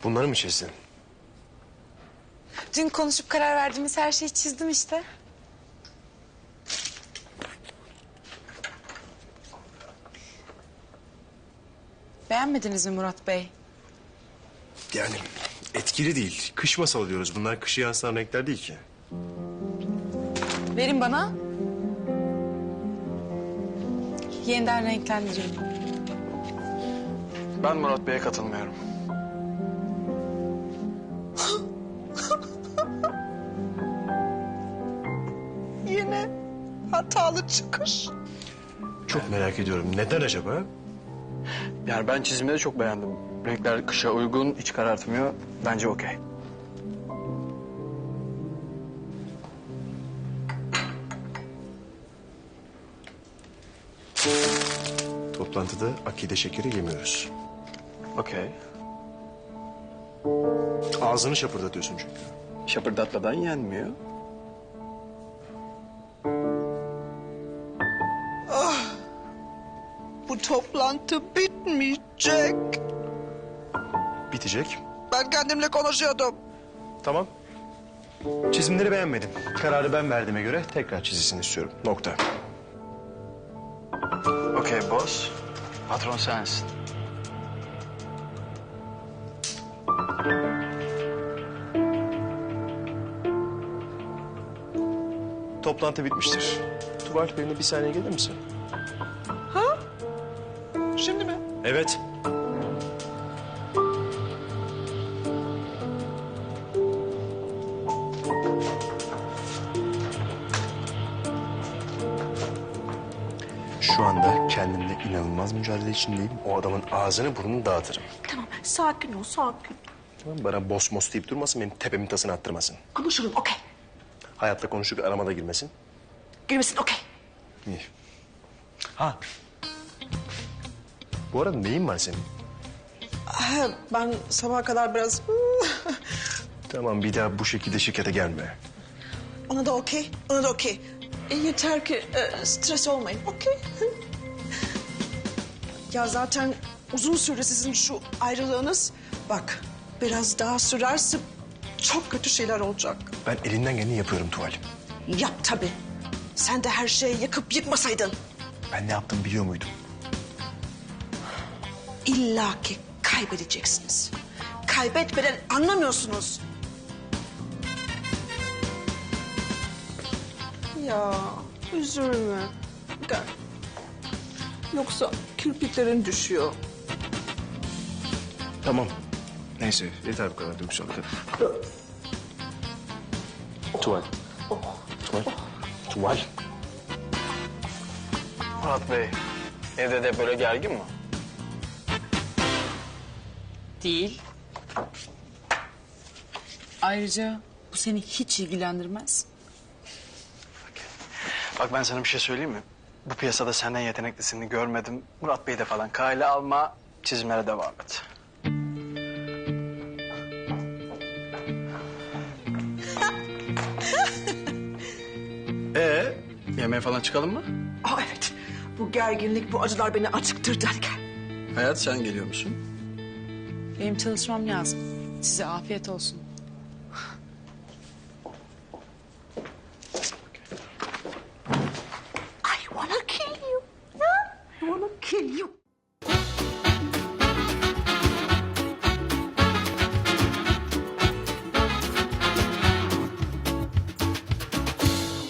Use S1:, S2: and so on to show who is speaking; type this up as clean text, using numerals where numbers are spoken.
S1: Bunları mı çizdin?
S2: Dün konuşup karar verdiğimiz her şeyi çizdim işte. Beğenmediniz mi Murat Bey?
S1: Yani etkili değil. Kış masalı diyoruz. Bunlar kışı yansıtan renkler değil ki.
S2: Verin bana. Yeniden renklendireyim.
S3: Ben Murat Bey'e katılmıyorum.
S4: Yine hatalı çıkış.
S1: Çok merak ediyorum. Neden acaba?
S3: Yani ben çizimleri çok beğendim. Renkler kışa uygun, hiç karartmıyor. Bence okey.
S1: Toplantıda akide şekeri yemiyoruz.
S3: Okey.
S1: Ağzını şapırdatıyorsun çünkü.
S3: Şapırdatmadan yenmiyor.
S4: Bu toplantı bitmeyecek.
S1: Bitecek.
S4: Ben kendimle konuşuyordum.
S1: Tamam. Çizimleri beğenmedim. Kararı ben verdiğime göre tekrar çizilsin istiyorum. Nokta.
S3: Okey boss. Patron sensin.
S1: Toplantı bitmiştir. Tuval, benimle bir saniye gelir misin?
S4: Şimdi mi?
S1: Evet. Şu anda kendimle inanılmaz mücadele içindeyim. O adamın ağzını burnunu dağıtırım.
S4: Tamam, sakin ol, sakin.
S1: Tamam mı? Bana boss mos deyip durmasın, benim tepemin tasını attırmasın.
S4: Konuşurum, okey.
S1: Hayatta konuşup aramada girmesin.
S4: Girmesin, okey.
S1: İyi. Ha. Bu arada neyin var senin?
S4: Ben sabaha kadar biraz...
S1: Tamam, bir daha bu şekilde şirkete gelme.
S4: Ona da okey, ona da okey. Yeter ki stres olmayın, okey? Ya zaten uzun süre sizin şu ayrılığınız... Bak, biraz daha sürerse çok kötü şeyler olacak.
S1: Ben elinden geleni yapıyorum Tuval.
S4: Yap tabii. Sen de her şeyi yıkıp yıkmasaydın.
S1: Ben ne yaptım biliyor muydum?
S4: İlla ki kaybedeceksiniz. Kaybetmeden anlamıyorsunuz. Ya üzülme. Gel. Yoksa kirpiklerin düşüyor.
S1: Tamam. Neyse, yeter bu kadar duygusal. Tuval. Tuval. Tuval.
S3: Murat Bey, evde de böyle gergin mi?
S2: Değil. Ayrıca bu seni hiç ilgilendirmez.
S3: Bak ben sana bir şey söyleyeyim mi? Bu piyasada senden yeteneklisini görmedim. Murat Bey'i de falan kale alma, çizimlere devam et. Yemeğe falan çıkalım mı?
S4: Aa evet. Bu gerginlik, bu acılar beni acıktırdı. Hadi gel.
S3: Hayat sen geliyor musun?
S2: Benim çalışmam lazım. Size afiyet olsun.